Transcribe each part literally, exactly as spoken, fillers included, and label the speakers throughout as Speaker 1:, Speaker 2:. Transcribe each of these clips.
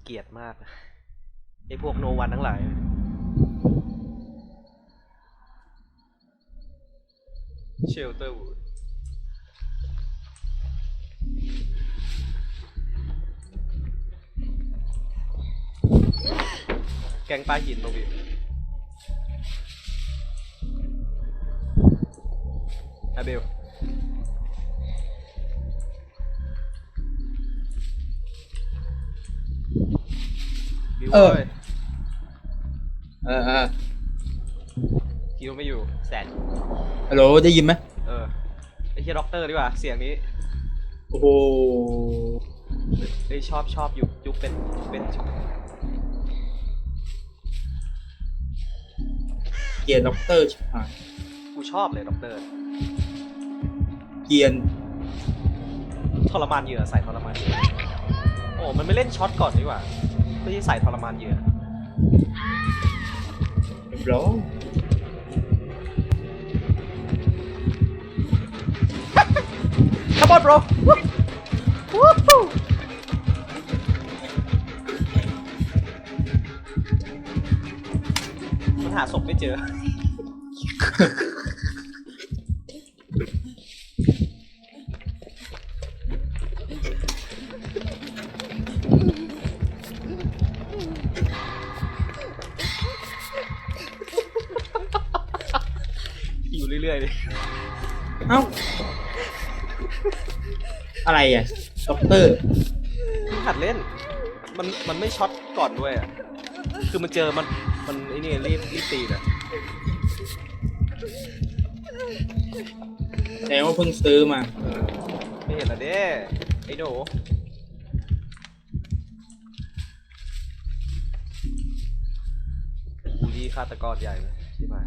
Speaker 1: เกลียดมากไอ้พวกโนวันทั้งหลายเชลเตอร์วูดแกงปลาหินตรงนี้อาเบลบิว
Speaker 2: เออ
Speaker 1: เว้ย
Speaker 2: เออเออ
Speaker 1: คิวไม่อยู่แสน
Speaker 2: ฮัลโหลได้ยินไหม
Speaker 1: เออไอ้เฮียด็อกเตอร์ดีกว่าเสียงนี้
Speaker 2: โอ้โห
Speaker 1: เฮ้ยชอบชอบอยู่ยุคเป็นเป็น
Speaker 2: เกียร์ด็อกเตอร์ชิบหาย
Speaker 1: กูชอบเลยด็อกเตอร์
Speaker 2: เกียร์
Speaker 1: ทรมานเหยื่อใส่ทรมานเหยื่อโอ้มันไม่เล่นช็อตก่อนดีกว่าไม่ใช่ใส่ทรมานเหยื่อ
Speaker 2: เรียบร้อย
Speaker 1: Come on bro มันหาศพไม่เจอ อยู่เรื่อยๆเลย
Speaker 2: เอ้าอะไรอ่ะด็อกเตอร์
Speaker 1: มึงหัดเล่น มันมันไม่ช็อตก่อนด้วยอ่ะ คือมันเจอมันมันไอ้นี่รีบรีบตีนะ
Speaker 2: แต่ว่าเพิ่งซื้อมา
Speaker 1: ไม่เห็นละเด้ไอ้หนูบูลลี่ฆาตกรใหญ่เลยใช่ไหม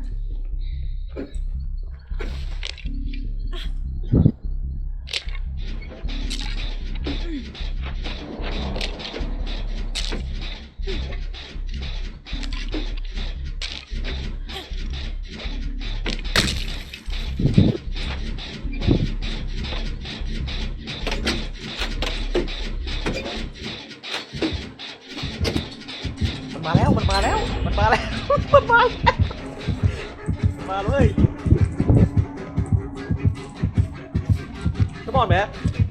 Speaker 1: มันมาแล้วมันมาแล้วมันมาแล้วมันมาแล้วมาเลยก็บอกไหม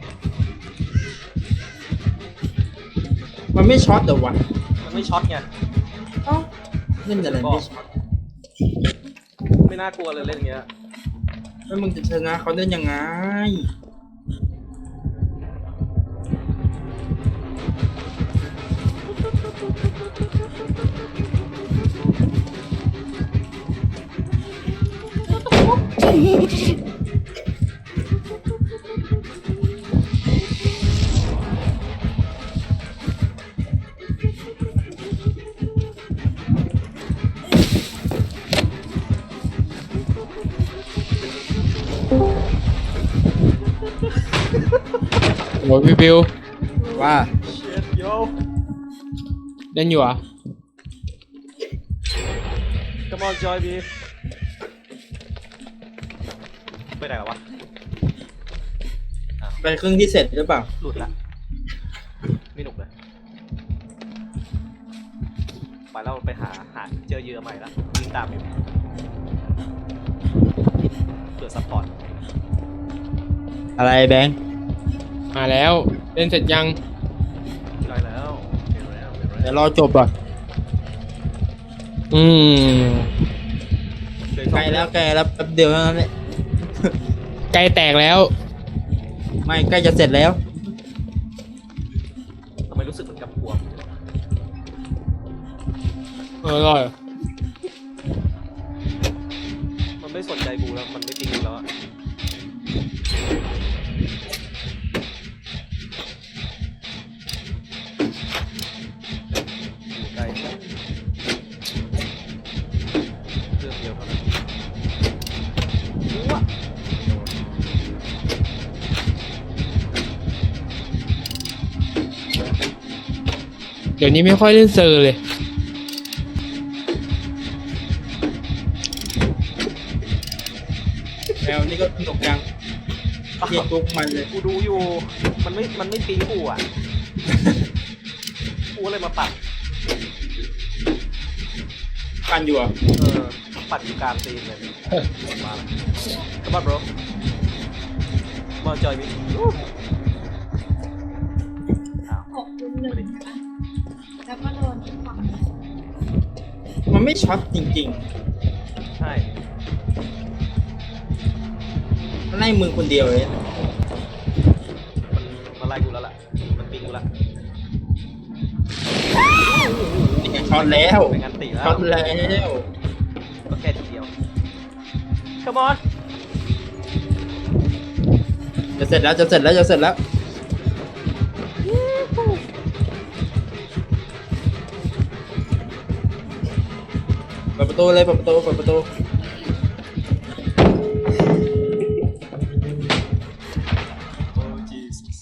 Speaker 2: มันไม่ช็อตเหรอวะ
Speaker 1: มันไม่ช็อตไง
Speaker 2: เอ้าเล่นอะไรไม่ช็อต
Speaker 1: ไม่น่ากลัวเลยเล่นอย่างเงี้ย
Speaker 2: แล้วมึงจะชนะเขาได้ยังไง
Speaker 3: โอ้ยพี่บิว
Speaker 2: ว่า
Speaker 1: เช็ดโย
Speaker 3: เล่นอยู่เหรอ่ะ
Speaker 1: Come on Joy B ไปไหนวะ
Speaker 2: เป็นเครื่องที่เสร็จหรือเปล่า
Speaker 1: หลุดละไม่หนุกเลยไปแล้วไปหาหาเจอเหยื่อใหม่ละวิ่งตามอยู่เผื่อซัพพอร์ต
Speaker 2: อะไรแบงค์
Speaker 3: มาแล้วเล่นเสร็จยัง
Speaker 1: ได้แล้วเห็นแล้วเห็น
Speaker 2: เดี๋
Speaker 1: แล้
Speaker 2: ยว วรอจบก่อน
Speaker 3: อืม
Speaker 1: เดี๋ยว
Speaker 2: ใกล้แล้วใกล้แล้วแป๊บเดียวเท่านั้นแหละ
Speaker 3: ไกลแตกแล้ว
Speaker 2: ไม่ใกล้จะเสร็จแล้ว
Speaker 1: ทำไมรู้สึกเหมือนกับพวง
Speaker 3: เอออร่อย
Speaker 1: มันไม่สนใจกูแล้วมันไม่จริงกูแล้วอะอยู่ใกล้เรื่องเดียวเท่านั้นว้า
Speaker 3: เดี๋ยวนี้ไม่ค่อยเล่นเซอร์เลย
Speaker 2: แมวนี่ก็สนุกยังเรียกลุกมันเลย
Speaker 1: กูดูอยู่ มันไม่ มันไม่ปิ๊งกูอ่ะ โอ้กูเลยมาปัด
Speaker 2: กันอยู่อ่ะ
Speaker 1: เออปัดอยู่กลางตีนเลยมาแล้วกระบะ bro มาจอยมิอ้าว
Speaker 4: หกลุมหนึ่งนะคะแล้วก็โดนฝั่ง
Speaker 2: มันไม่ช็อตจริง
Speaker 1: ใช่
Speaker 2: ๆมันไล่มึงคนเดียวเลย
Speaker 1: มันมาไล่กูแล้วล่ะมันปิงกูละ
Speaker 2: นี่ช็อตแล้ว
Speaker 1: เป็นงานตีแล้ว
Speaker 2: ช็อตแล้ว
Speaker 1: ก็แค่ทีเดียว come on
Speaker 2: จะเสร็จแล้วจะเสร็จแล้วจะเสร็จแล้วเปิดประตูเลยเปิดประตูเปิดประตู
Speaker 1: โอ้ Jesus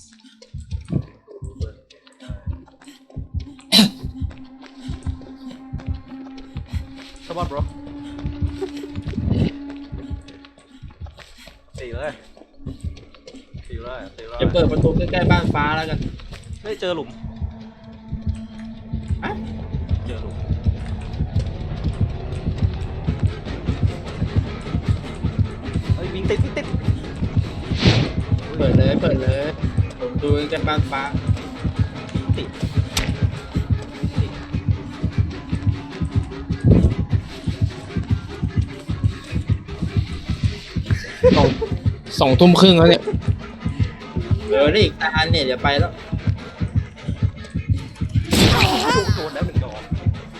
Speaker 1: come on bro ตีเลยตีเลยตีเลย
Speaker 2: จะเปิดประตูใกล้ๆบ้านฟ้าแล้วกัน
Speaker 1: เฮ้ยเจอหลุม
Speaker 2: อะ
Speaker 1: เจอหลุมเฮ้ยวิ่งติดวิ่งติด
Speaker 2: เปิดเลยเปิดเลยผมดูใกล้ๆบ้านฟ้า
Speaker 1: วิ่งติดติด
Speaker 3: สองสองทุ่มครึ่งแล้วเนี่ย
Speaker 2: เออนี่อีกตาเนี่ยเดี๋ยวไปแล้ว
Speaker 1: โดนแล้วหนึ่งดอก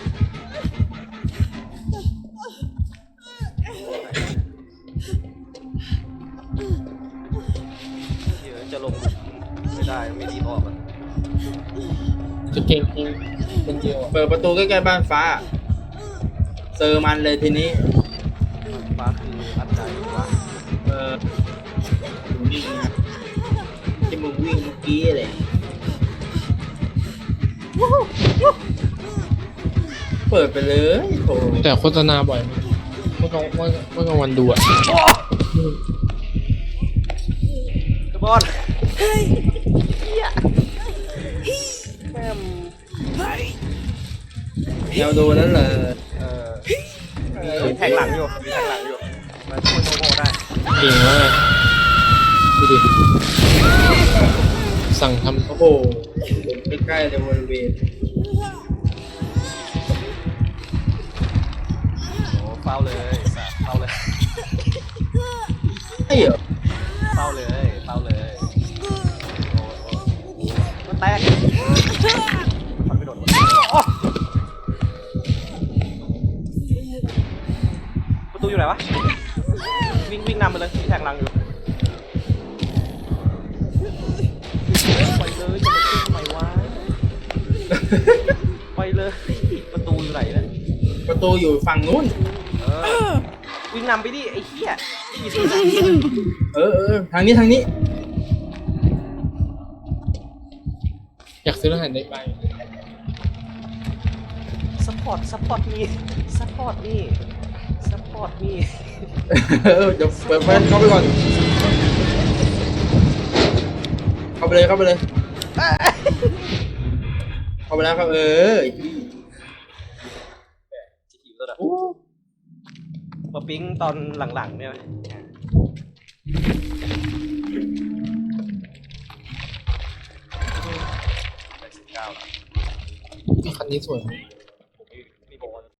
Speaker 1: เดี๋ยวจะลงไม่ได้ไม่ดีออกอ่ะ
Speaker 3: จะเก่งจริงเป็นเดียวอะ
Speaker 2: เปิดประตูใกล้ๆบ้านฟ้าเซอร์มันเลยทีนี้
Speaker 1: ฟ้าคืออันใดวะ
Speaker 2: เออมึงวิ่งนะที่มึงวิ่งเมื่อกี้เลยเปิดไปเลยโถ
Speaker 3: แต่โฆษณาบ่อยเมื่อกลางเมื่อเมื่อกลางวันดูอ่ะ
Speaker 1: กระบอนเฮ้ยเฮียแม่ม
Speaker 2: แนวดูนั้นเลย
Speaker 1: เออมีแทงหลังอยู่มีแทงหลังอยู่มาช่วยโมโมได้
Speaker 3: เก่งมากดูดิสั่งท
Speaker 2: โอ้โหใกล้ๆเลยบริเวณ
Speaker 1: โอ้เฝ้าเลยสัตว์เฝ้าเลย
Speaker 2: ไอ้เหรอ
Speaker 1: เฝ้าเลยเฝ้าเลยโอ้โอ้มันแตกมันไม่โดนวะโอ้ประตูอยู่ไหนวะวิ่งวิ่งนำไปเลยมีแทงหลังอยู่ไปเลยจะมาขึ้นทำไมวะไปเลยประตูอยู่ไหนนะ
Speaker 2: ประตูอยู่ฝั่งนู้น
Speaker 1: เออวิ่งนำไปดิไอ้เหี้ยมีสิ
Speaker 2: เออเออทางนี้ทางนี้
Speaker 3: ำอยากซื้อรหัสได้ไป
Speaker 1: ซัพพอร์ตซัพพอร์ตมีซัพพอร์ตมีซัพพอร์ตมี
Speaker 2: เออเดี๋ยวเปิดเปิดเข้าไปก่อนเข้าไปเลยเข้าไปเลยเข้าไปแล้วครับเออ
Speaker 1: จะหิวแล้วนะมาปิ๊งตอนหลังๆเนี่ยไหมแปดสิบเก้าแล้ว
Speaker 3: คันนี้สวย